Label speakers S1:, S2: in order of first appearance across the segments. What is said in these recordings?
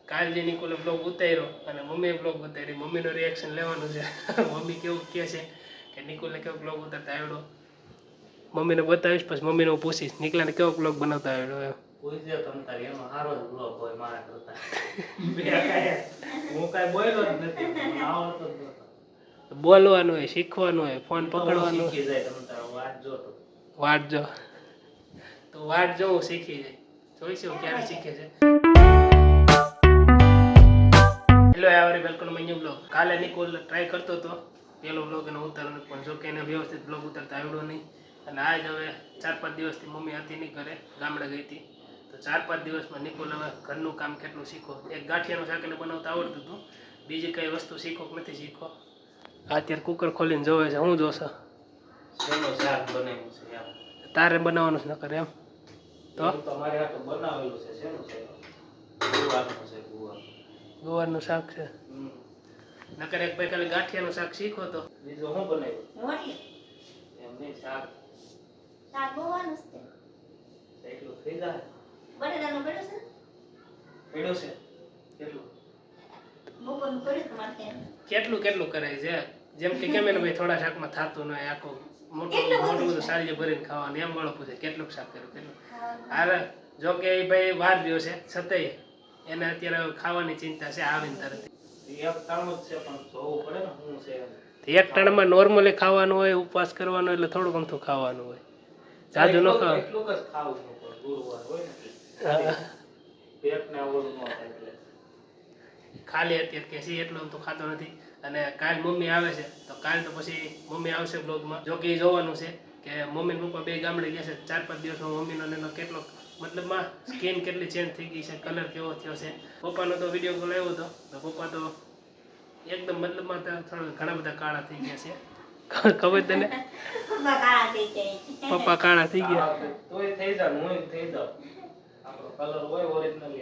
S1: કાલ જે નિકોલે બ્લોગ ઉતાર્યો અને મમ્મીએ બ્લોગ ઉતાર્યો, મમ્મીનું રિએક્શન લેવાનું છે. મમ્મી કેવું કહે છે કે નિકોલને કેવો બ્લોગ ઉતારતા આવડ્યો. મમ્મીને બતાવીશ, પછી મમ્મીને હું પૂછીશ નિકલાને કેવો બ્લોગ બનાવતા આવડ્યો એમ.
S2: પૂછજો તમ તારે એમાં સારો જ બ્લોગ હોય મારા કરતા. હું કાંઈ બોલ્યો જ નથી, મને આવડતો જ નહોતો.
S1: બોલવાનું હોય, શીખવાનું હોય, ફોન પકડવાનું.
S2: શીખી જાય તમ તારે વાટ જો તો.
S1: વાટ જો તો વાટ જો હું શીખી જાય. જોઈશું ક્યારે શીખે છે. Hello every welcome my new blog. કાલે નિકોલ ટ્રાય કરતો હતો પેલો બ્લોગ એનો ઉતારવાનો, પણ જો કે એને વ્યવસ્થિત બ્લોગ ઉતારતા આવડ્યો નહીં. અને આજ હવે 4-5 દિવસથી મમ્મી હતી નહીં ઘરે, ગામડે ગઈ હતી. તો 4-5 દિવસમાં નિકોલ હવે ઘરનું કામ કેટલું શીખો. એક ગાંઠિયાનું શાક એને બનાવતા આવડતું હતું, બીજી કઈ વસ્તુ શીખો કે નથી શીખો. અત્યારે કુકર ખોલીને જોવે છે. હું જોશે
S2: શેનું શાક બનાવ્યું છે એમ.
S1: તારે બનાવવાનું છે નકર એમ તો
S2: તમારે આ તો બનાવેલું છે. શેનું છે? ગુવારનું છે.
S1: ગુવારનું શાક છે. નકર એક ભાઈ ખાલી ગાંઠિયાનું શાક શીખો તો.
S2: બીજું શું બનાવ્યું? એમ નહીં, શાક
S3: ગુવારનું છે.
S2: એટલું થઈ જાય.
S3: બટેટાનું પડ્યું છે.
S2: પડ્યું છે કેટલું?
S3: બપોરનું પડ્યું તમારે
S1: કેટલું કેટલું કરાય છે. જેમ કે કેમ એને ભાઈ થોડા શાકમાં થતું ન હોય, આખું મોટું બધું સારી ભરીને ખાવાનું એમ વાળો પૂછે કેટલું શાક કર્યું કેટલું. હારે જો કે એ ભાઈ વાર રહ્યો છે છતાંય એને અત્યારે ખાવાની ચિંતા છે. આવીને તરત
S2: એક ટાણું જ છે, પણ જોવું પડે ને શું છે.
S1: એક ટાણામાં નોર્મલી ખાવાનું હોય, ઉપવાસ કરવાનો એટલે થોડું ગમતું ખાવાનું હોય. જાજુ ન ખાવ.
S2: એટલું જ ખાવું છે, પણ ગુરુવાર હોય ને પેટને ઓલું ન થાય એટલે
S1: ખાલી અત્યારે કે છે એટલું તો ખાતો નથી. અને કાલ મમ્મી આવે છે તો કાલ તો પછી મમ્મી આવશે બ્લોગમાં. જો કે એ જોવાનું છે કે મમ્મી ને પપ્પા બે ગામડે ગયા છે. 4-5 દિવસમાં મમ્મીનો એનો કેટલો મતલબમાં સ્કિન કેટલી ચેન્જ થઈ ગઈ છે, કલર કેવો થયો છે. પપ્પાનો તો વિડીયો કોલ આવ્યો હતો તો પપ્પા તો એકદમ મતલબમાં થોડા ઘણા બધા કાળા થઈ ગયા છે. ખબર તને? પપ્પા કાળા થઈ ગયા.
S2: તોય થઈ જાય, હું થઈ જાઉં. આપણો કલર હોય ઓરિજિનલી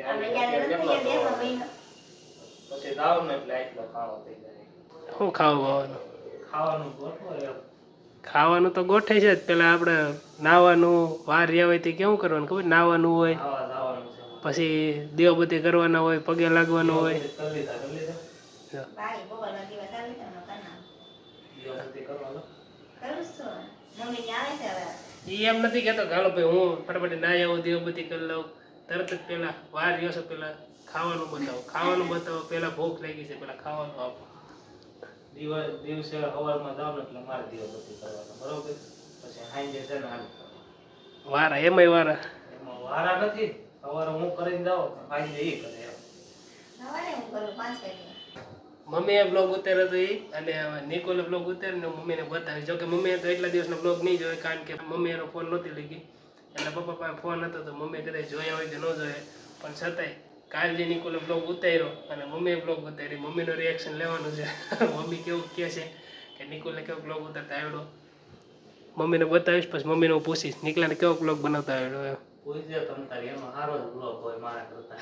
S2: પછી દાવ ને એટલે આટલો કાળો થઈ જાય.
S1: શું ખાવાનું?
S2: ખાવાનું ગોઠવો એમ.
S1: ખાવાનું તો ગોઠે છે જ. પેલા આપણે નાવાનું વાર રહ્યા હોય તે કેવું કરવાનું ખબર? નાવાનું હોય,
S2: ખાવા દાવાનું છે.
S1: પછી દીવાબત્તી કરવાના હોય, પગે લાગવાનું હોય.
S2: કરી લીધા.
S3: ભાઈ બપોરના દિવસ આવી તો કરવાનું
S2: દીવાબત્તી કરવાનો.
S3: કરું છું. મમ્મી આવે છે હવે.
S1: એ એમ નથી કહેતો કે હાલો ભાઈ હું ફટાફટ ના આવું દીવાબત્તી કરી લઉં. તરત જ પેલા વાર રહ્યો છે પેલા ખાવાનું બતાવો, ખાવાનું બતાવો. પેલા ભૂખ લાગી છે, પેલા ખાવાનું આપો.
S2: દિવસે સવારમાં જાવ ને એટલે મારે દીવાબત્તી કરવાનો, બરોબર? પછી સાંજે છે ને હાલ
S1: વારા એમાંય વારા.
S2: એમાં વારા નથી. સવારે હું કરીને જાઉં, સાંજે એ કરે એમ.
S3: સવારે હું કરું 5 વાગે.
S1: મમ્મીએ બ્લોગ ઉતાર્યો હતો એ, અને નિકોલે બ્લોગ ઉતારીને મમ્મીને બતાવી. જોકે મમ્મીએ તો એટલા દિવસનો બ્લોગ નહીં જોયો, કારણ કે મમ્મી એનો ફોન નહોતી લઈ ગઈ. એટલે પપ્પા પાસે ફોન હતો તો મમ્મીએ કદાચ જોયા હોય કે ન જોયા, પણ છતાંય કાલ જે નિકોલે બ્લોગ ઉતાર્યો અને મમ્મીએ બ્લોગ ઉતારી, મમ્મીનું રિએક્શન લેવાનું છે. મમ્મી કેવું કહે છે કે નિકોલને કેવો બ્લોગ ઉતારતા આવડ્યો. મમ્મીને બતાવીશ, પછી મમ્મીને હું પૂછીશ નિકલાને કેવો બ્લોગ બનાવતા આવડ્યો એમ.
S2: પૂછજો તમ તારે એમાં સારો જ બ્લોગ હોય મારા કરતા.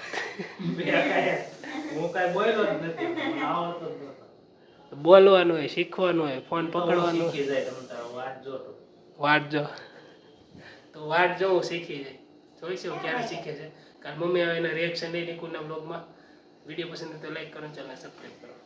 S2: હું કાંઈ બોલ્યો જ નથી, મને આવડતો જ નહોતો.
S1: બોલવાનું હોય, શીખવાનું હોય, ફોન પકડવાનું.
S2: શીખી જાય તમ તારે વાટ જો તો.
S1: વાટ જો તો વાટ જો હું શીખી જાય. જોઈશું ક્યારે શીખે છે. કારણ મમ્મી હવે એના રિએક્શન નહીં નિકુલના બ્લોગમાં. વિડીયો પસંદ તો લાઈક કરો, ચેનલ સબસ્ક્રાઈબ કરો.